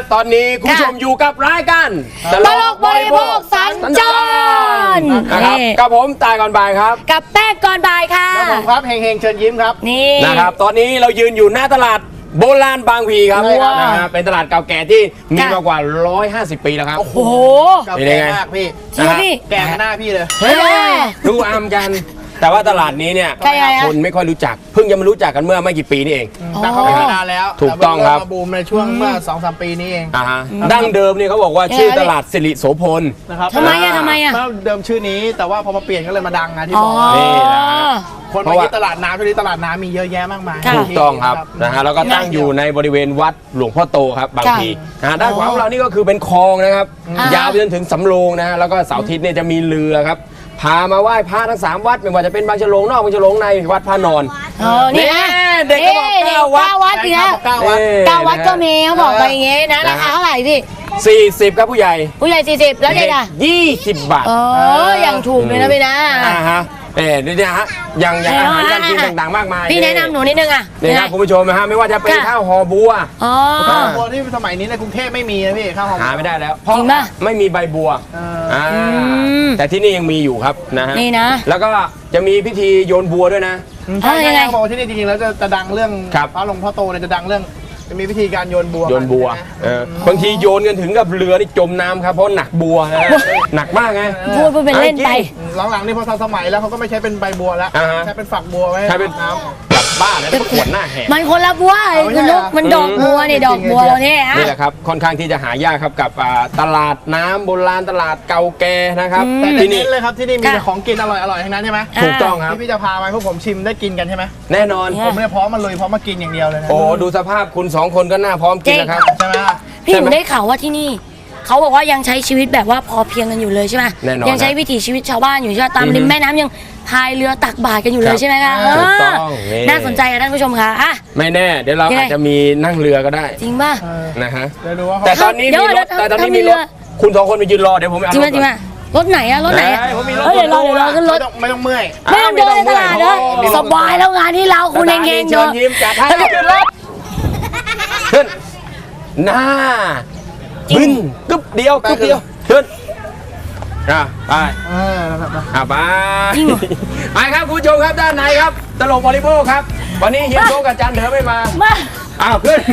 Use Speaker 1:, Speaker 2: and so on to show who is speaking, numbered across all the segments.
Speaker 1: ตอนนี้คุณผู้ชมอยู่กับรายการ
Speaker 2: ตลกบริโภคสัญจร
Speaker 1: นะครับกับผมตายก่อนบ่ายครับ
Speaker 2: กับแป้งก่อนบ่ายค่ะ
Speaker 3: แล้วผมครับเฮงเชิญยิ้มครับ
Speaker 2: นี่
Speaker 1: นะครับตอนนี้เรายืนอยู่หน้าตลาดโบราณบางพีครับนะฮะเป็นตลาดเก่าแก่ที่มีมากว่า150 ปีแล้วครับ
Speaker 2: โอ้โห
Speaker 3: เก่าแก่มากพี่แก่หน้าพี่เลย
Speaker 1: ดูอามกันแต่ว่าตลาดนี้เนี่ยคนไม่ค่อยรู้จักเพิ่งจะมารู้จักกันเมื่อไม่กี่ปีนี่เอง
Speaker 3: แต่เขาเป็นมานานแล้ว
Speaker 1: ถูกต้องครับ
Speaker 3: บูมในช่วงเมื่อ 2-3 ปีนี้เอง
Speaker 1: ดั้งเดิมเนี่ยเขาบอกว่าชื่อตลาดสิริโสพล
Speaker 3: นะครับ
Speaker 2: ทำไมอ่ะ
Speaker 3: เดิมชื่อนี้แต่ว่าพอมาเปลี่ยนก็เลยมาดังนะที่บอก
Speaker 1: นี่นะ
Speaker 3: คนมาที่ตลาดน้ำที่ตลาดน้ำมีเยอะแยะมากมาย
Speaker 1: ถูกต้องครับนะฮะแล้วก็ตั้งอยู่ในบริเวณวัดหลวงพ่อโตครับบางพีด้านขวาของเรานี่ก็คือเป็นคลองนะครับยาวไปจนถึงสำโรงนะฮะแล้วก็เสาร์อาทิตย์เนี่ยจะมีเรือครับพามาไหว้พระทั้ง3วัดไม่ว่าจะเป็นบางฉลงนอกบางฉลงในวัดพระนอน
Speaker 2: นี่นะ
Speaker 1: เด็กก็บอก
Speaker 2: 9 วัดอีกแล้ว9 วัดก็มีเขาบอกไปอย่างงี้นะราคาเท่าไหร่พี่
Speaker 1: 40ครับผู้ใหญ่
Speaker 2: 40แล้วเด็กอ่ะ
Speaker 1: 20 บาท
Speaker 2: ยังถูกเลยนะพี่นะ
Speaker 1: ฮะนี่นะฮะยังอาหารการกินต่างๆมากมาย
Speaker 2: พี่แนะนำหนูนิดนึงอ่ะ
Speaker 1: นี่ครับคุณผู้ชมนะฮะไม่ว่าจะเป็นข้าวห่อบัว
Speaker 3: ข้าวบัวที่สมัยนี้ในกรุงเทพไม่มีนะพี่ข้าวห่อ
Speaker 1: หาไม่ได้แล้วเพราะไม่มีใบบัวแต่ที่นี่ยังมีอยู่ครับนะฮะ
Speaker 2: นี่นะ
Speaker 1: แล้วก็จะมีพิธีโยนบัวด้วยนะ
Speaker 3: ใช่เขาบอกที่นี่จริงๆแล้วจะดังเรื่องพระหลวงพ่อโตเนี่ยจะดังเรื่องจะมีวิธีการโยนบัว
Speaker 1: บางทีโยนกันถึงกับเรือนี่จมน้ำครับเพราะหนักบัวหนักมากไง
Speaker 2: พูดเป็นเล่นไป
Speaker 3: หลังๆนี่พอทันสมัยแล้วเขาก็ไม่ใช้เป็นใบบัวแล้วใช้เป็นฝักบัวไว้
Speaker 1: ใช้เป็นน้ำแบบบ้าแล้วขวดหน้าแหก
Speaker 2: มันคนละบัวคุณลูกมันดอกบัวนี่ดอกบัวเราเนี่ย
Speaker 1: นี่แหละครับค่อนข้างที่จะหายากครับกับตลาดน้ำโบราณตลาดเก่าแก่นะครับ
Speaker 3: ที่นี่เลยครับที่นี่มีแต่ของกินอร่อยๆทั้งนั้นใช่ไหม
Speaker 1: ถูกต้องครับ
Speaker 3: ที่พี่จะพาไปพวกผมชิมได้กินกันใช่ไหม
Speaker 1: แน่นอน
Speaker 3: ผมไม่ได้พร้อมมาเลยพร้อมมากินอย่างเดียวเลยนะ
Speaker 1: โอ้ดูสภาพคุณ2 คนก็น่าพร้อมกินนะครับ
Speaker 3: ใช่ไหม
Speaker 2: พี่หนูได้ข่าวว่าที่นี่เขาบอกว่ายังใช้ชีวิตแบบว่าพอเพียงกันอยู่เลยใช่ไหมยังใช้วิถีชีวิตชาวบ้านอยู่ใช่ไหมตามริมแม่น้ำยังพายเรือตักบาตรกันอยู่เลยใช่ไหมคะ
Speaker 1: ถูกต้อง
Speaker 2: น่าสนใจนะท่านผู้ชมคะ
Speaker 1: ไม่แน่เดี๋ยวเราอาจจะมีนั่งเรือก็ได้
Speaker 2: จริงป่ะ
Speaker 1: นะฮะแต่ตอนนี้มีรถคุณ2 คนไปยืนรอเดี๋ยวผมไปเอา
Speaker 2: จริงป่ะรถไหนอะรถไหนเดี๋ยวเราขึ้นรถ
Speaker 3: ไม่ต้องเมื่อย
Speaker 2: ไม่ต้องเดินตลาดนะสบายแล้วงานที่เราคุณเอง
Speaker 1: เนาะยิ้มจัดให้ขึ้นรถขึ้นหน้าบึ้นกึ๊บเดียวขึ้นไปไปครับคุณผู้ชมครับด้านในครับตลกบริโภคครับวันนี้เฮียโจ๊กกับจันเถอไม่มาขึ้น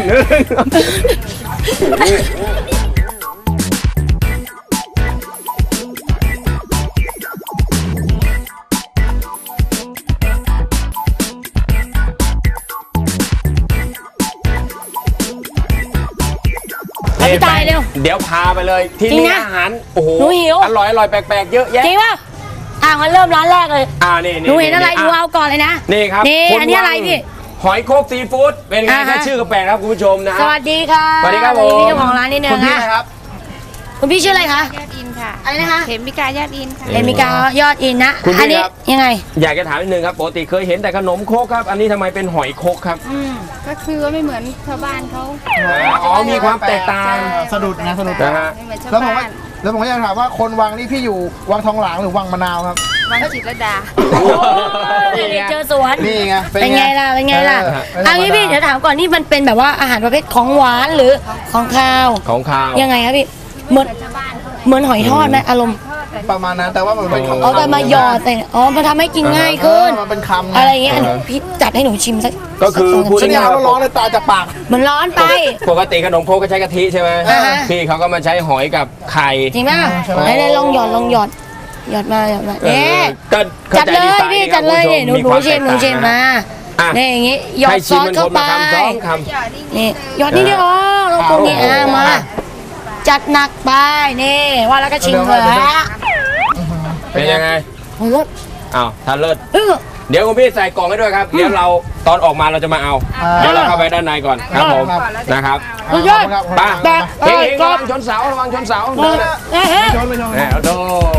Speaker 2: พี่ตายเร็ว
Speaker 1: เดี๋ยวพาไปเลยที่นี่อาหารโอ้โหอร่อยแปลกๆเยอะแยะ
Speaker 2: จริงป่ะงั้นเริ่มร้านแรกเลย
Speaker 1: นี่
Speaker 2: หนูเห็นอะไรหนูเอาก่อนเลยนะ
Speaker 1: นี่ครับ
Speaker 2: นี่อันนี้อะไรพี่
Speaker 1: หอยโคกซีฟู้ดเป็นไงแค่ชื่อก็แปลกครับคุณผู้ชมนะ
Speaker 2: สวัสดีค่ะ
Speaker 1: สวัสดีครับผม
Speaker 2: พี่เจ้าของร้านนี่เนี่ย
Speaker 3: นะครับ
Speaker 2: คุณพี่ชื่ออะไรคะ
Speaker 4: ยอดอินค่ะ
Speaker 2: อะไรนะคะ
Speaker 4: เขมิกายอดอินค่ะ
Speaker 2: เขมิกายอดอินนะอันนี้ยังไง
Speaker 1: อยากจะถามนิดนึงครับปกติเคยเห็นแต่ขนมโคกครับอันนี้ทำไมเป็นหอยโคกครับ
Speaker 4: ก็คือว่าไม่เหมือนชาวบ้านเขา
Speaker 1: มีความแตกต่าง
Speaker 3: สะดุดนะ
Speaker 1: ฮะ
Speaker 3: แล้วผมก็อยากถามว่าคนวังนี่พี่อยู่วังทองหลางหรือวังมะนาวครับ
Speaker 4: วังจิตรดา
Speaker 2: เจอสวน
Speaker 3: นี่ไง
Speaker 2: เป็นไงล่ะอันนี้พี่เดี๋ยวถามก่อนนี่มันเป็นแบบว่าอาหารประเภทของหวานหรือของข้าวยังไงครับพี่เหมือนหอยทอดไหมอารมณ์
Speaker 3: ประมาณนั้นแต่ว่ามันเป็นคำ
Speaker 2: เอาแต่มาหยอดแต่มาทำให้กินง่ายขึ้น
Speaker 3: มันเป็นคำ
Speaker 2: อะไรเงี้ยพี่จัดให้หนูชิมสัก
Speaker 1: ก็คือพูดง่าย
Speaker 3: ๆร้อนเลยตาจะปาก
Speaker 2: มันร้อนไป
Speaker 1: ปกติขนมโคกก็ใช้กะทิใช่ไหมพี่เขาก็มาใช้หอยกับไข่
Speaker 2: จริงป่ะไหนลองหยอดมาจัดเลยพี่จัดเลยเนี่ยหนูชิมมาเนี่ยอย่างงี้หยอดซอสเข้าไปนี่หยอดนี่เดียวแล้วตรงนี้มาจัดหนักไปนี่ว่าแล้วก็ชิมเลย
Speaker 1: เป็นยังไง
Speaker 2: รส
Speaker 1: ทานเลิศเดี๋ยวคุณพี่ใส่กล่องให้ด้วยครับเดี๋ยวเราตอนออกมาเราจะมาเอาเดี๋ยวเราเข้าไปด้านในก่อนครับผมนะครับป้าเฮ้ยระวังชนเสาระวังชนเสาโด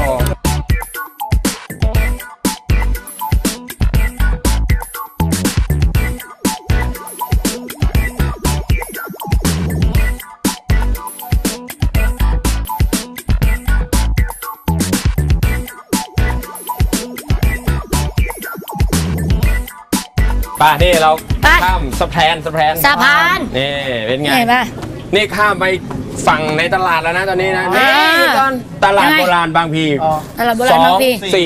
Speaker 1: ป่ะนี่เราข้ามสะพาน
Speaker 2: นี่
Speaker 1: เป็นไง
Speaker 2: นี่ข้ามไป
Speaker 1: ฝั่งในตลาดแล้วนะตอนนี้นะ
Speaker 2: อ่า
Speaker 1: นี่ตอนตลาดโบราณบางพี
Speaker 3: อ๋อ
Speaker 2: ตลาดโบราณบางพี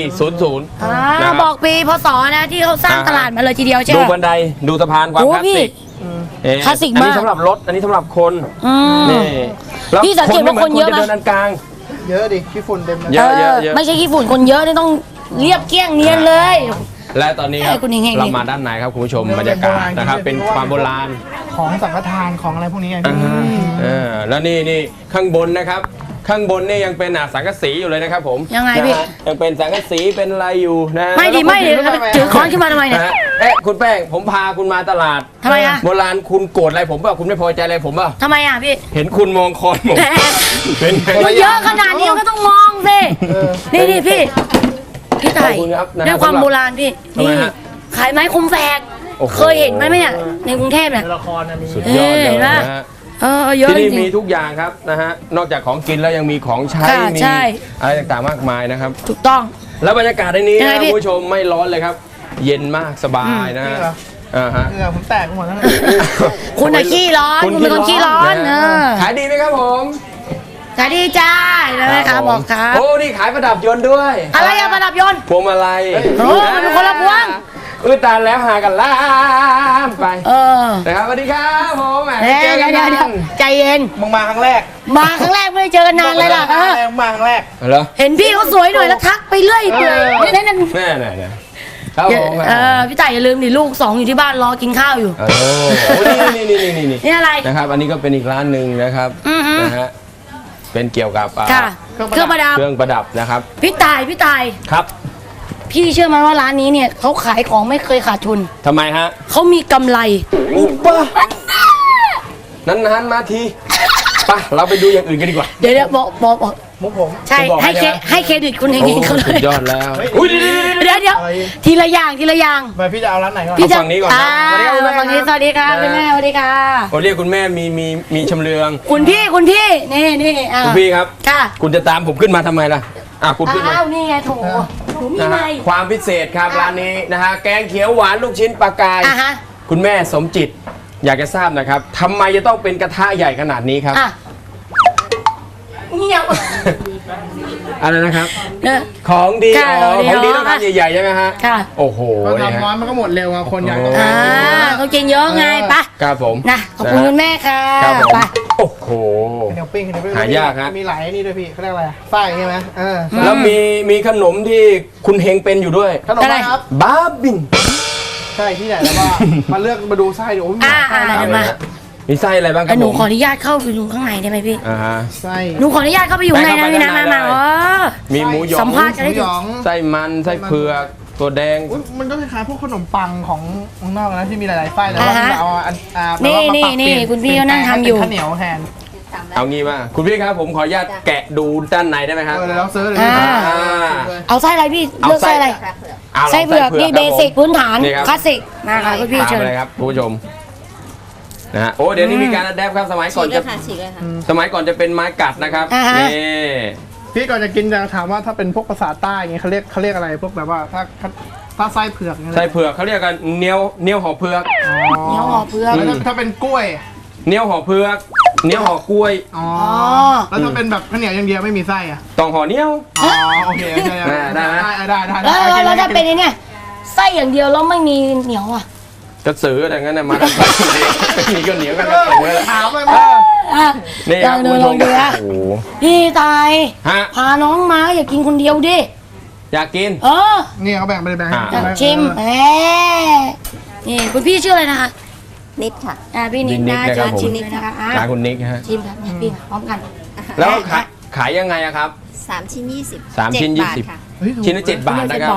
Speaker 1: 2400นะครับ
Speaker 2: บอกปีพศนะที่เขาสร้างตลาดมาเลยทีเดียวใช่
Speaker 1: ดู
Speaker 2: ไหม
Speaker 1: บันไดดูสะพานความ
Speaker 2: โอ้
Speaker 1: คลาส
Speaker 2: พี่
Speaker 1: สิก
Speaker 2: คลาสสิก
Speaker 1: อันนี้
Speaker 2: มาก
Speaker 1: สำหรับรถอันนี้สำหรับคน
Speaker 2: อืม
Speaker 1: นี่แล้ว
Speaker 2: พี่สังเกตว่าคนเยอะไหม
Speaker 1: จะเดินอันกลาง
Speaker 3: เยอะดิขี้ฝุ่นเต็มเลย
Speaker 1: เยอะ
Speaker 2: ไม่ใช่ขี้ฝุ่นคนเยอะนี่ต้องเรียบเกลี้ยงเนียนเลย
Speaker 1: และตอนนี้ครับ
Speaker 2: ให้คุณเฮงๆ
Speaker 1: เรามาด้านในครับคุณผู้ชมบรรยากาศนะครับเป็นความโบราณ
Speaker 3: ของสังฆทานของอะไรพวกนี้ไงพี่
Speaker 1: แล้วนี่ข้างบนนะครับ ข้างบนนี่ยังเป็นสังกะสีอยู่เลยนะครับผม
Speaker 2: ยังไงพี่
Speaker 1: นะฮะยังเป็นสังกะสีเป็นอะไรอยู่นะ
Speaker 2: ไม่ดีไม่ดีถือค้อนขึ้นมาทำไมเนี่ย
Speaker 1: นะฮะคุณแป้งผมพาคุณมาตลาด
Speaker 2: ทำไมอะ
Speaker 1: โบราณคุณโกรธอะไรผมเปล่าคุณไม่พอใจอะไรผมเปล่า
Speaker 2: ทำไมอ่ะพี่
Speaker 1: เห็นคุณมองคอนผมเป็นไง
Speaker 2: มันเยอะขนาดนี้มันก็ต้องมองสินี่พี่ไต่
Speaker 1: ขอบคุณครับนะ
Speaker 2: ด้วยความโบราณพี่
Speaker 1: ทำไม
Speaker 2: นี่
Speaker 1: ฮะ
Speaker 2: ขายไม้คมแฝก
Speaker 1: โอ้โห
Speaker 2: เคยเห็นไหมเนี่ยในกรุงเทพเนี่ย
Speaker 3: ในละครนะมี
Speaker 1: สุดยอดเลย
Speaker 2: เห็นปะ
Speaker 1: นะฮะ
Speaker 2: เยอะ
Speaker 1: ที่
Speaker 2: จ
Speaker 1: นี่
Speaker 2: ริ
Speaker 1: มี
Speaker 2: ง
Speaker 1: ทุกอย่างครับนะฮะนอกจากของกินแล้วยังมีของใช้
Speaker 2: ค่ะ
Speaker 1: มี
Speaker 2: ใช่
Speaker 1: อะไรต่างๆมากมายนะครับ
Speaker 2: ๆถูกต้อง
Speaker 1: แล้วบรรยากาศในนี้
Speaker 2: ยังไง
Speaker 1: นะ
Speaker 2: พี่
Speaker 1: คุณผู้ชมไม่ร้อนเลยครับ เย็นมากสบายนะ
Speaker 3: จริ
Speaker 1: ฮะ
Speaker 3: งเหรอ
Speaker 1: ฮะ
Speaker 3: เหงื่อผมแตกไปหมดแล้วนะ
Speaker 2: คุณอะขี้ร้อนคุณเป็นคนขี้ร้อน
Speaker 1: นะขายดีไหมครับผม
Speaker 2: ขายดีจ้านะคะบอกครับ
Speaker 1: โอ้นี่ขายประดับยนต์ด้วย
Speaker 2: อะไรอะประดับยนต์
Speaker 1: พวงมาลัย
Speaker 2: โอ้มันเป็นคนละพวง
Speaker 1: ตายแล้วหากันล่ามไป
Speaker 2: อ
Speaker 1: นะครับสวัสดีครับผมแหม
Speaker 2: เดี๋ยว
Speaker 1: เจอกัน
Speaker 2: เดี๋ยวใจเย็น
Speaker 3: มึงมาครั้งแรก
Speaker 2: มาครั้งแรกไม่ได้เจอกันนานเลยล่ะ
Speaker 3: มาครั้งแรก
Speaker 1: เหรอ
Speaker 2: เห็นพี่เขาสวยหน่อยแล้วทักไปเรื่อยเปื่อยนั่น
Speaker 1: แม่ครับผม
Speaker 2: พี่ต่ายอย่าลืมดิลูก2อยู่ที่บ้านรอกินข้าวอยู่
Speaker 1: โอ้นี่
Speaker 2: นี่อะไร
Speaker 1: นะครับ อันนี้ก็เป็นอีกร้านหนึ่งนะครับ
Speaker 2: อือฮึ
Speaker 1: นะฮะเป็นเกี่ยวกับ
Speaker 2: ค่ะเครื่องประดับ
Speaker 1: เครื่องประดับนะครับ
Speaker 2: พี่ต่าย
Speaker 1: ครับ
Speaker 2: พี่เชื่อไหมว่าร้านนี้เนี่ยเขาขายของไม่เคยขาดทุน
Speaker 1: ทำไมฮะ
Speaker 2: เขามีกำไร
Speaker 1: อุปะนานๆมาทีไปเราไปดูอย่างอื่นกันดีกว่า
Speaker 2: เดี๋ยวบอก
Speaker 3: มุกผม
Speaker 2: ใช่
Speaker 1: จะบอก
Speaker 2: ให้
Speaker 1: ให้นะ
Speaker 2: ให้เครดิตคุณเฮ
Speaker 1: โอ้
Speaker 2: งๆเขาเล
Speaker 1: สุ
Speaker 2: ย
Speaker 1: ดยอดแล้ว
Speaker 3: เฮ้ย
Speaker 1: อุ้ย
Speaker 2: เดี๋ยวทีละอย่าง
Speaker 3: ไปพี่จะเอาร้านไหนก่อน
Speaker 2: พี่จะ
Speaker 1: เอาฝั่งนี้ก่อนนะ
Speaker 2: ฝั่งนี้สวัสดีค่ะคุณแม่สวัสดีค่ะ
Speaker 1: โอ้เรียกคุณแม่มีชำเลือง
Speaker 2: คุณพี่นี่อ่ะ
Speaker 1: คุณพี่ครับ
Speaker 2: ค่ะ
Speaker 1: คุณจะตามผมขึ้นมาทำไมล่ะคุณขึ้นมา
Speaker 2: อ้าวนี่ไงโถหนูมี
Speaker 1: นะ
Speaker 2: ไง
Speaker 1: ฮะความพิเศษครับร้านนี้นะฮะแกงเขียวหวานลูกชิ้นปลากาย
Speaker 2: อ่ะฮะ
Speaker 1: คุณแม่สมจิต อยากจะทราบนะครับทำไมจะต้องเป็นกระทะใหญ่ขนาดนี้ครับ
Speaker 2: อ่ะเงียบ
Speaker 1: อะไรนะครับ
Speaker 2: เนี่ย
Speaker 1: ของดี
Speaker 2: ค่ะ
Speaker 1: ของดี
Speaker 2: เดี๋ยว
Speaker 1: ต้องทำใหญ่ๆใช่ไหมฮะ
Speaker 2: ค่ะ
Speaker 1: โอ้โห
Speaker 3: ก็
Speaker 1: เนี่ย
Speaker 3: ทำน้อยมันก็หมดเร็วอะคนอยากจะ
Speaker 1: โอ้
Speaker 2: เขากินเยอะไงปะ
Speaker 1: ครับผม
Speaker 2: นะขอบคุณคุณแม่ค่ะ
Speaker 1: ครับผม
Speaker 2: ไป
Speaker 1: โอ้โห
Speaker 3: เดี๋ยวปิ้งเดี๋ยวปิ้ง
Speaker 1: หายากฮะ
Speaker 3: มีหลายนี่ด้วยพี่เขาเรียกอะไรไส้ใช่ไหม
Speaker 1: แล้วมีขนมที่คุณเฮงเป็นอยู่ด้วย
Speaker 3: ขนมอะไรครับ
Speaker 1: บ้าบิน
Speaker 3: ใช่ที่ไหนแล้วว่ามาเลือกมาดูไส้ดูโอ้ยมีหลายไส้
Speaker 2: อ่า
Speaker 3: นะ
Speaker 2: เดี๋ยวมา
Speaker 1: มีไส้อะไรบ้างค
Speaker 2: แต่
Speaker 1: รับ
Speaker 2: หนู
Speaker 1: ผม
Speaker 2: ขออนุญาตเข้าไปดูข้างในได้ไหมพี่
Speaker 1: ฮะ
Speaker 3: ไส้
Speaker 2: หนูขออนุญาตเข้าไปอยู่ข้างในนะพี่นะ
Speaker 1: ได้
Speaker 2: มา
Speaker 1: ได้
Speaker 2: อ๋อ
Speaker 1: มีหมูหยอ
Speaker 2: สั
Speaker 1: ง
Speaker 2: มภาษณ์
Speaker 3: หมูหยอง
Speaker 1: ไส้มันไส้เผือกตัวแดง
Speaker 3: อุ๊ยมันก็คล้ายๆพวกขนมปังของข้างนอกนะที่มีหลายๆไส้แต่ว่า
Speaker 2: อ่าฮะ
Speaker 3: เราเอาอันแบบ
Speaker 2: นี่
Speaker 3: ว่ามาปรับ
Speaker 2: นี่
Speaker 3: เปลี่ย
Speaker 2: คุณพี่เขานั่งทำอยู่
Speaker 3: เป็นข้าวเหนียวแทน
Speaker 1: เอางี้มาคุณพี่ครับผมขออนุญาตแกะดูด้านในได้ไหมครับ
Speaker 3: เดี๋ยวเราซื้อเลย
Speaker 2: อ่า
Speaker 1: อ่า
Speaker 2: เอาไส้อะไรพี่
Speaker 1: เอา
Speaker 2: เลือกไส้อะไร
Speaker 1: าลง
Speaker 2: ไส้เผือกนี่
Speaker 1: ค
Speaker 2: เบ
Speaker 1: รับผม
Speaker 2: สิกพื้นฐาน
Speaker 1: นี่ครับ
Speaker 2: คลาสสิกมาค่ะคุณพี่
Speaker 1: ตาม
Speaker 2: เชิญ
Speaker 1: ไปเลยครับคุณผู้ชมนะฮะโอ้เดี๋ยวนี้มีการอัดแอปครับสมัยก่อนจะ
Speaker 4: ฉีกเลยค่ะ
Speaker 1: สมัยก่อนจะเป็นไม้กัดนะครับ
Speaker 2: อ่าฮะ
Speaker 1: นี่
Speaker 3: พี่ก่อนจะกินจะถามว่าถ้าเป็นพวกภาษาใต้อย่างเงี้ยเขาเรียกอะไรพวกแบบว่าถ้าไส้เผือกเนี่ย
Speaker 1: ไส้เผือกเขาเรียกกันเนียวห่อเผือก
Speaker 2: เหนียวห่อเผือก
Speaker 3: แล้วถ้าเป็นกล้วย
Speaker 1: เนียวห่อเผือกเนียวห่อกล้วย
Speaker 3: อ๋อ
Speaker 2: อ๋อ
Speaker 3: แล้วถ้าเป็นแบบข้าวเหนียวอย่างเดียวไม่มีไส้อะ
Speaker 1: ต้องห่อเนียว
Speaker 3: อ๋อโอเคได้
Speaker 1: ได้ไหม
Speaker 2: แล้วถ้าเป็นไอ้เนี่ยไส้อย่างเดียวแล้วไม่มีเหนียวอ่ะ
Speaker 1: กระสืออะไรงั้นนะมากันมีก็เหนียวกันกระสือเลย
Speaker 3: ถามเลย
Speaker 2: อ่ะ
Speaker 1: นี่
Speaker 2: ล
Speaker 1: ค
Speaker 2: อ
Speaker 1: รับ
Speaker 2: งดู
Speaker 1: คุณ
Speaker 2: ล
Speaker 1: ผู้
Speaker 2: อง
Speaker 1: ช
Speaker 2: ดู
Speaker 1: ม
Speaker 2: นะ
Speaker 1: โอ้โห
Speaker 2: พี่ตาย
Speaker 1: ฮะ
Speaker 2: พาน้องมาอย่ากินคนเดียวดิ
Speaker 1: อยากกิน
Speaker 2: เออ
Speaker 3: นี่เขาแบ่งไปเลยแบ่ง
Speaker 2: ชิมแหมนี่คุณพี่ชื่ออะไรนะคะ
Speaker 4: นิดค่ะ
Speaker 2: พี่นิดนะ
Speaker 1: นิดนะครับ
Speaker 2: ชิม
Speaker 1: ผม
Speaker 2: เลยนะคะอ่ะ
Speaker 1: ร้านคุณนิกฮะ
Speaker 2: ชิมครับพี่พร้อมกัน
Speaker 1: แล้วขายยังไงอะครับ
Speaker 4: 3 ชิ้น 20
Speaker 1: 3 ชิ้น
Speaker 4: 7 บาท
Speaker 1: 20
Speaker 4: ค่ะ
Speaker 1: ชิ้นละ7 บาทนะครับ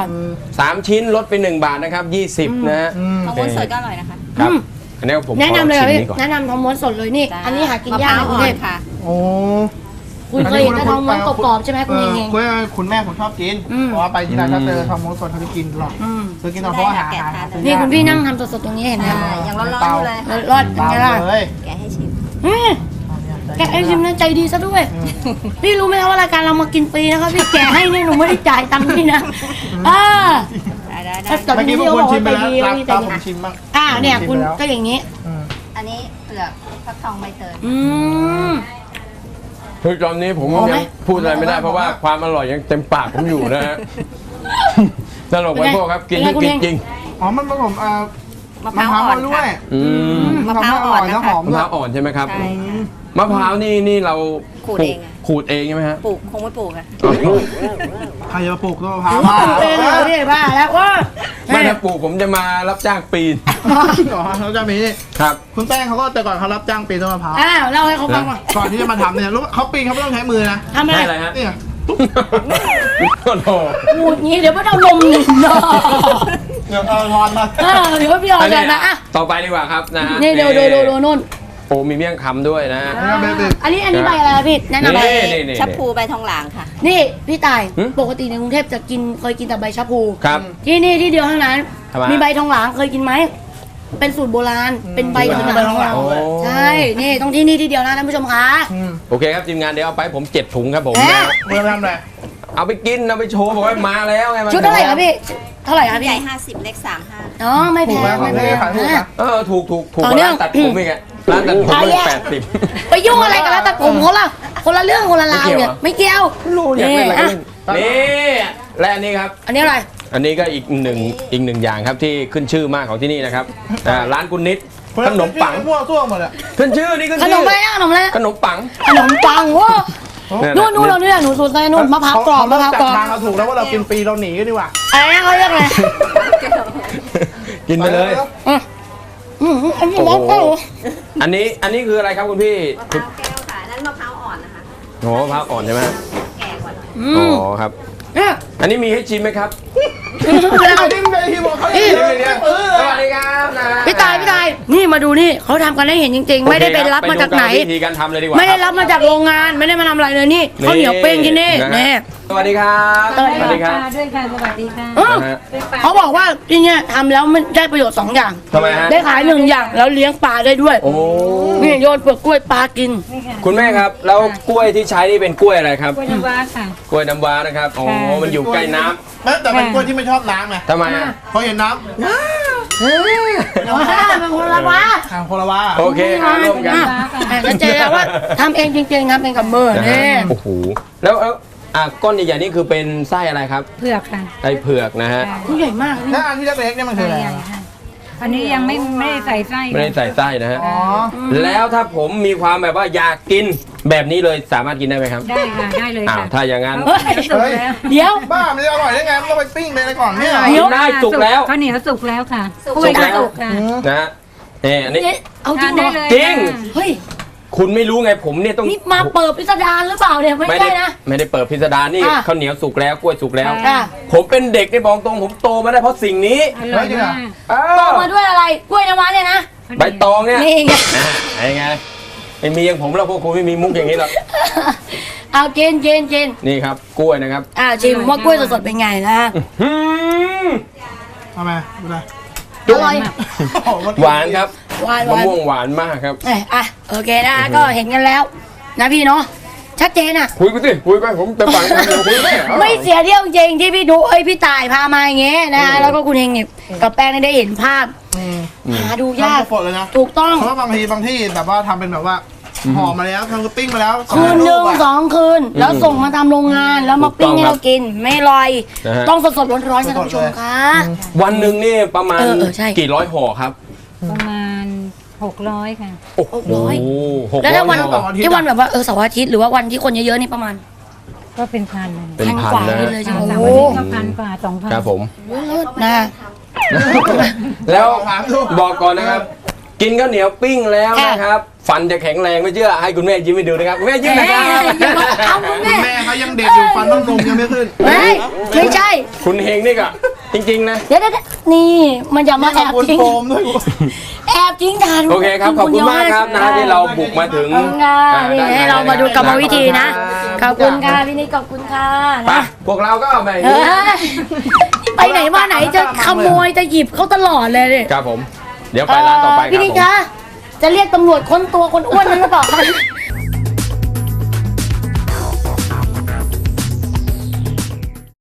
Speaker 1: 3 ชิ้นลดไป1 บาทนะครับ20นะฮะ
Speaker 4: มะม่วงสดก็อร่อยนะคะ
Speaker 1: ครับอันนี้ผม
Speaker 2: แนะนำเลย
Speaker 1: ขอ
Speaker 2: ค่ะ
Speaker 1: ชิม
Speaker 2: พี่
Speaker 1: นี้ก่อน
Speaker 2: แนะนำทองม้วนสดเลยนี่
Speaker 4: จ้า
Speaker 2: อันนี้หากิน
Speaker 4: มะพ
Speaker 2: ยาก
Speaker 4: ร้าว
Speaker 2: ในกรุ
Speaker 4: อ่
Speaker 2: ง
Speaker 4: อ
Speaker 2: เท
Speaker 4: น
Speaker 2: พ
Speaker 4: ค่ะ
Speaker 3: โอ้
Speaker 2: คุณเคยเห็นแต่ทองม้วนกรอบๆใช่ไหมคุณเอง
Speaker 3: คุณแม่ผมชอบกินเพราะว่าไปที่ร้านถ้าเจอทองม้วนสดเขาจะกินตลอดซื้อกินตลอดเพราะว่าหา
Speaker 2: นี่คุณพี่นั่งทำสดๆตรงนี้เห็นไหม
Speaker 4: ยังร้อนๆอยู่เลยค่ะ
Speaker 2: รอดเป็นไงล่ะ
Speaker 3: เลย
Speaker 4: แกะให้ชิม
Speaker 2: แกไอ้ชิมนะใจดีซะด้วย พี่รู้ไหมคะว่ารายการเรามากินฟรีนะครับพี่แกให้เนี่ยหนูไม่ได้จ่ายตังค์พี่นะ
Speaker 4: ได้
Speaker 2: แต่
Speaker 3: เมื่อกี้
Speaker 2: พี่
Speaker 3: พวก
Speaker 2: เขา
Speaker 3: คุ
Speaker 2: บ
Speaker 3: ณ
Speaker 2: อก
Speaker 3: ชิม
Speaker 2: ว่า
Speaker 3: ไป
Speaker 2: ใจ
Speaker 3: แล้ว
Speaker 2: ดี
Speaker 3: ตาม
Speaker 2: พี่ใจดี
Speaker 3: ผมชิมบ้าง
Speaker 2: เนี่ยคุณก็อย่างนี้
Speaker 4: อันนี้เปลือกฟักทองใบเตย
Speaker 2: อืม
Speaker 1: คือตอนนี้ผม
Speaker 2: พอไหม
Speaker 1: ยังพูดอะไรไม่ได้เพราะว่าความอร่อยยังเต็มปากผมอยู่นะฮะตลกไปพวกครับกินให้กินจริง
Speaker 3: อ๋อมันผสม
Speaker 4: มะพร้าวอ่อน
Speaker 3: ด้วย
Speaker 1: อืม
Speaker 4: มะพร้าวอ่อน
Speaker 3: แล้ว
Speaker 4: นะ
Speaker 3: ห
Speaker 4: คะ
Speaker 3: อม
Speaker 1: มะ
Speaker 3: ด้
Speaker 1: พ
Speaker 3: วย
Speaker 1: ร้าวอ่อนใช่ไหมครับ
Speaker 4: ใช่ค่ะ
Speaker 1: มะพร้าวนี่เรา
Speaker 4: ขูดเองอะ
Speaker 1: ขูดเองใช่ไหมฮะ
Speaker 4: ปลูกคงไม่ปลูกค่ะ
Speaker 3: ใครจะมาปลูกต้นมะพร้าว
Speaker 2: เป็นเลยพี่บ้าแล้วว่า
Speaker 1: ไม่ถ้าปลูกผมจะมารับจ้างปีน
Speaker 3: อ๋อเขาจะมี
Speaker 1: ครับ
Speaker 3: คุณแป้งเขาก็แต่ก่อนเขารับจ้างปีนต้นมะพร้าว
Speaker 2: อ้าวเล่าให้เขาฟังก่อน
Speaker 3: ก่อนที่จะมาทำเนี่ยรู้เขาปีนเขาไม่ต้องใช้มือนะ
Speaker 2: ทำอะไร
Speaker 1: ให้อะไรฮะ
Speaker 3: เนี่ย
Speaker 1: โอ้โห
Speaker 2: พูดงี้เดี๋ยวไม่ต้องลมหนึ่งเนาะ
Speaker 3: เดี๋ยวเอาทอนมา
Speaker 2: เดี๋ยวพี่เอา
Speaker 1: อัน
Speaker 2: เล
Speaker 1: นี้
Speaker 2: ยนะอ่ะ
Speaker 1: ต่อไปดีกว่าครับนะฮะ
Speaker 2: นี่ดูนู่น
Speaker 1: โอ้มีเมี่ยงคำด้วยนะ
Speaker 2: อันนี้ใบอะไรพี่แนะนำ
Speaker 1: นี่
Speaker 2: ไป
Speaker 1: นี่
Speaker 4: ชับพลูใบทองหลางค่ะ
Speaker 2: นี่พี่ตาย
Speaker 1: หึ
Speaker 2: ปกติในกรุงเทพจะกินเคยกินแต่ใบชะพู
Speaker 1: ครับ
Speaker 2: ที่นี่ที่เดียวเท่านั้น
Speaker 1: ทำไม
Speaker 2: มีใบทองหลางเคยกินไหมเป็นสูตรโบราณเป็นใบทองหลาง
Speaker 1: โอ้
Speaker 2: ใช่นี่ต้องที่นี่ที่เดียวนะท่านผู้ชมคะ
Speaker 1: โอเคครับทีมงานเดี๋ยวเอาไปผม7ถุงครับผม
Speaker 2: เอ๊ะ
Speaker 1: นะ
Speaker 3: เมื่อทำอะไร
Speaker 1: เอาไปกินเอาไปโชว์บอกว่ามาแล้วไง
Speaker 2: ชุดเท่าไหร่ครับพี่เท่าไหร่ครับ
Speaker 4: ให
Speaker 2: พี่
Speaker 4: ญ่50เล็ก35
Speaker 2: อ๋อไม่แพ
Speaker 3: ถูกไหม
Speaker 2: งไม่แพง
Speaker 3: ขายถูกนะ
Speaker 1: ถูกก
Speaker 2: ต่อ
Speaker 1: ว่า
Speaker 2: เนื่อ
Speaker 1: ร้าง นตัดผมอีกอะร้านตัดผม
Speaker 2: ขาย
Speaker 1: มัน
Speaker 2: แยก
Speaker 1: 80
Speaker 2: ไปยุ่งอะไรกับร้านตัดผมเขาล่ะคนละเรื่องคนละราวเนี่ยไม่เกี่ยว
Speaker 1: รู้อยากเล่นอะไรก็เล่น
Speaker 3: นี่
Speaker 1: นี่และอันนี้ครับ
Speaker 2: อันนี้อะไร
Speaker 1: อันนี้ก็อีกหนึ่งอย่างครับที่ขึ้นชื่อมากของที่นี่นะครับร้านคุณนิดขนมปัง
Speaker 3: มั่วซั่วหมดอ่ะ
Speaker 1: ขึ้นชื่อนี่ขึ้น
Speaker 2: ขน
Speaker 1: ชื่
Speaker 2: ม
Speaker 1: อ
Speaker 2: อะไรนะขนมอะไรนะ
Speaker 1: ขนมปัง
Speaker 2: ขนมปังว้า
Speaker 1: เนี่ย
Speaker 2: นู่นเราเนี่ยหนูสูตรใส่นู่นมะพร้าวกรอบมะพร้าวกรอบ
Speaker 3: ทางเราถูกแล้วว่าเรากินฟรีเราหนีกันดีกว่า
Speaker 2: อะไรนะเขาเรียกอะไร
Speaker 1: กินไปเลย
Speaker 2: อันนี้มะพร้าว
Speaker 1: อันนี้คืออะไรครับคุณพี่
Speaker 4: มะพร้าวแก้วค่ะนั่นมะพร้าวอ่อนนะคะ
Speaker 1: โอ้มะพร้าวอ่อนใช่ไหม
Speaker 4: แก่กว่าหน่อย
Speaker 2: อื
Speaker 1: อ๋
Speaker 2: ม
Speaker 1: อครับ
Speaker 2: เนี่ย
Speaker 1: อันนี้มีให้ชิมไหมครับ
Speaker 3: เอาดิ้นไปที่บอกเขาอีก
Speaker 1: สวัสดีครับนะ
Speaker 2: พี่ตายนี่มาดูนี่เขาทำกันให้เห็นจริง ๆ ไม่ได้ไปรับมาจากไหน
Speaker 1: ปดูวิธีการทำเลยดีกว่า
Speaker 2: ไม่ได้รับมาจากโรงงานไม่ได้มาทำอะไรเลยนี่ข้าวเหนียวเป้งที่นี่
Speaker 1: ะฮะ
Speaker 2: นี่
Speaker 1: สวัสดีครับ
Speaker 2: สวัสดีครับ
Speaker 4: ด้วยค่ะสวัสดีค่ะ
Speaker 1: นะฮะ
Speaker 2: เขาบอกว่าที่เนี่ยทำแล้วมันได้ประโยชน์2 อย่าง
Speaker 1: ทำไมฮะ
Speaker 2: ได้ขาย1 อย่างแล้วเลี้ยงปลาได้ด้วย
Speaker 1: โอ้
Speaker 2: นี่โยนเปลือกกล้วยปลากิน
Speaker 1: คุณแม่ครับ แล้วกล้วยที่ใช้นี่เป็นกล้วยอะไรครับ
Speaker 4: กล้วยน้ำว้าค่ะ
Speaker 1: กล้วยน้ำว้านะครับอ๋อมันอยู่ใกล้น้ำ
Speaker 3: แต่เป็นกล้วยที่ไม่ชอบน้ำไง
Speaker 1: ทำไมอ่ะ
Speaker 3: พอเห็นน้
Speaker 2: ว้าเป็นคนละว้า
Speaker 3: ำทางโคลาวา
Speaker 1: โอเคครับร่วมกัน
Speaker 2: ชัดเจนแล้วว่าทำเองจริงๆครับเป็นกับมือ
Speaker 1: นะ
Speaker 2: นี่
Speaker 1: ฮะโอ้โหแล้วก้อนใหญ่ๆนี่คือเป็นไส้อะไรครับ
Speaker 4: เผือกค่ะ
Speaker 1: ไส้เผือกนะฮะ
Speaker 2: ผู้ใหญ่มากนี่
Speaker 3: แล้วอันที่เล็กๆเนี่ยมันคืออะไร
Speaker 4: อันนี้ยังไม่ได้ใส่ไส้
Speaker 1: ไม่ได้ใส่ไส้นะฮะ
Speaker 3: อ๋อ
Speaker 1: แล้วถ้าผมมีความแบบว่าอยากกินแบบนี้เลยสามารถกินได้ไหมครับ
Speaker 4: ได้ค่ะได้เลย
Speaker 1: อ้าว
Speaker 4: ค่ะ
Speaker 1: ถ้าอย่างนั้น
Speaker 2: เฮ้ย
Speaker 3: เฮ้ย
Speaker 2: เดี๋ยว
Speaker 3: บ้ามันจะอร่อยได้ไงมันต้องไปปิ้งเลยก่อนเนี่ย
Speaker 2: เดี๋ยว
Speaker 1: ได้สุกแล้ว
Speaker 4: ข้าวเหนียวสุกแล้วค่ะ
Speaker 2: สุก
Speaker 4: กล้วย
Speaker 1: แล้ว
Speaker 4: สุกค่ะ
Speaker 1: นะฮะอันนี้
Speaker 2: เอาจริงเหร
Speaker 4: ได้
Speaker 2: อ
Speaker 4: เลย
Speaker 1: จริง
Speaker 2: เฮ้ย
Speaker 1: คุณไม่รู้ไงผมเนี่ยต้อง
Speaker 2: นี่มาเปิดพิสดารหรือเปล่าเนี่ยไม่
Speaker 1: ไม่
Speaker 2: ได้
Speaker 1: ได้
Speaker 2: นะ
Speaker 1: ไม่ได้เปิดพิสดารนี่
Speaker 2: อ่ะ
Speaker 1: ข้าวเหนียวสุกแล้วกล้วยสุกแล้ว
Speaker 2: ค่ะ
Speaker 1: ผมเป็นเด็กในบอกตรงผมโตมาได้เพราะสิ่งนี้
Speaker 4: อร่อยมาก
Speaker 1: อ้า
Speaker 2: โต
Speaker 1: ว
Speaker 2: มาด้วยอะไรกล้วยน้ำว้าเนี่ยนะ
Speaker 1: ใบตองเนี่ย
Speaker 2: นี่ไง
Speaker 1: ไอ้ไงไม่มีอย่างผมแล้วพวกคุณไม่มีมุกอย่างนี้หรอก
Speaker 2: เอากิน
Speaker 1: นี่ครับกล้วยนะครับ
Speaker 2: ชิมว่ากล้วยสดๆเป็นไงนะ
Speaker 1: หืม
Speaker 3: ทำไมดูนะ
Speaker 2: อร่อย
Speaker 1: หวานครับ
Speaker 2: หวาน
Speaker 1: มะม่วงหวานมากครับ
Speaker 2: โอเคนะก็เห็นกันแล้ว นะพี่เนาะชัดเจนอ่ะ
Speaker 1: คุยไปสิคุยไปผมเต็มปากเต็มคำคุยไป
Speaker 2: ไม่เสียเที่ยวจริงที่พี่ดูพี่ตายพามาอย่างเงี้ยนะแล้วก็คุณเฮงเนี่ยกับแป้งได้เห็นภาพหาดูยาก
Speaker 3: ทำสดเลยนะ
Speaker 2: ถูกต้อง
Speaker 3: เพราะว่าบางที่แบบว่าทำเป็นแบบว่าห่อมาแล้วทำก็ปิ้งมาแล้ว
Speaker 2: คืนหนึ่ง
Speaker 3: อะ
Speaker 2: 2 คืน แล้วส่งมาตามโรงงานแล้วมาปิ้งให้เรากินไม่ลอย
Speaker 1: นะฮะ
Speaker 2: ต้องสดๆร้อนๆนะท่านผู้ชมคะ
Speaker 1: วันหนึ่งนี่ประมาณ
Speaker 2: ใช่
Speaker 1: กี่ร้อยห่อครับ
Speaker 4: ประมาณ600ค่ะ
Speaker 1: โอ้โห600
Speaker 2: แล้วถ้าวัน
Speaker 1: ห่อ
Speaker 2: ที่วันแบบว่าเสาร์อาทิตย์หรือว่าวันที่คนเยอะๆนี่ประมาณ
Speaker 4: ก็เป็นพันเลย
Speaker 1: เป็นพัน
Speaker 2: กว่า
Speaker 1: นะ
Speaker 2: นี่เลยใช่ไหม
Speaker 4: สาม
Speaker 2: โอ้
Speaker 4: วัน
Speaker 2: โห
Speaker 4: นี้ก็พันกว่า2,000
Speaker 1: ครับผม
Speaker 2: เลิศนะ
Speaker 1: แล้วบอกก่อนนะครับ กินข้าวเหนียวปิ้งแล้วนะครับ ฟันจะแข็งแรงไม่เชื่อให้คุณแม่ยิ้มให้ดูนะครับคุณแม่ยิ้มนะครับ
Speaker 2: เอาคุณแม่
Speaker 3: แม่เขายังเด็กอยู่ฟันต้องนมยังไม่ขึ้น
Speaker 2: ไม่ใช่
Speaker 1: คุณเฮงนี่ก็จริงๆนะ
Speaker 2: เดี๋ยวนี่มันจะมาแอบ
Speaker 3: คุณ
Speaker 2: ทิ้ง
Speaker 3: โฟมด้วย
Speaker 2: แอบทิ้งทาน
Speaker 1: โอเคครับขอบคุณมากครับนะที่เราบุกมาถึง
Speaker 2: ขอบคุณค่ะนี่ให้เรามาดูกรรมวิธีนะขอบคุณค่ะพี่นิดขอบคุณค่ะ
Speaker 1: ไป
Speaker 2: นะ
Speaker 1: พวกเราก็ไป
Speaker 2: เฮ้ยไปไหนมาไหนจะขโมยจะหยิบเขาตลอดเลยเนี่ย
Speaker 1: ครับผม เดี๋ยวไปร้านต่อไปครับ
Speaker 2: พี่นิด
Speaker 1: ผม
Speaker 2: คะจะเรียกตำรวจค้นตัวคนอ้วนนั้นหรือเปล่าคะ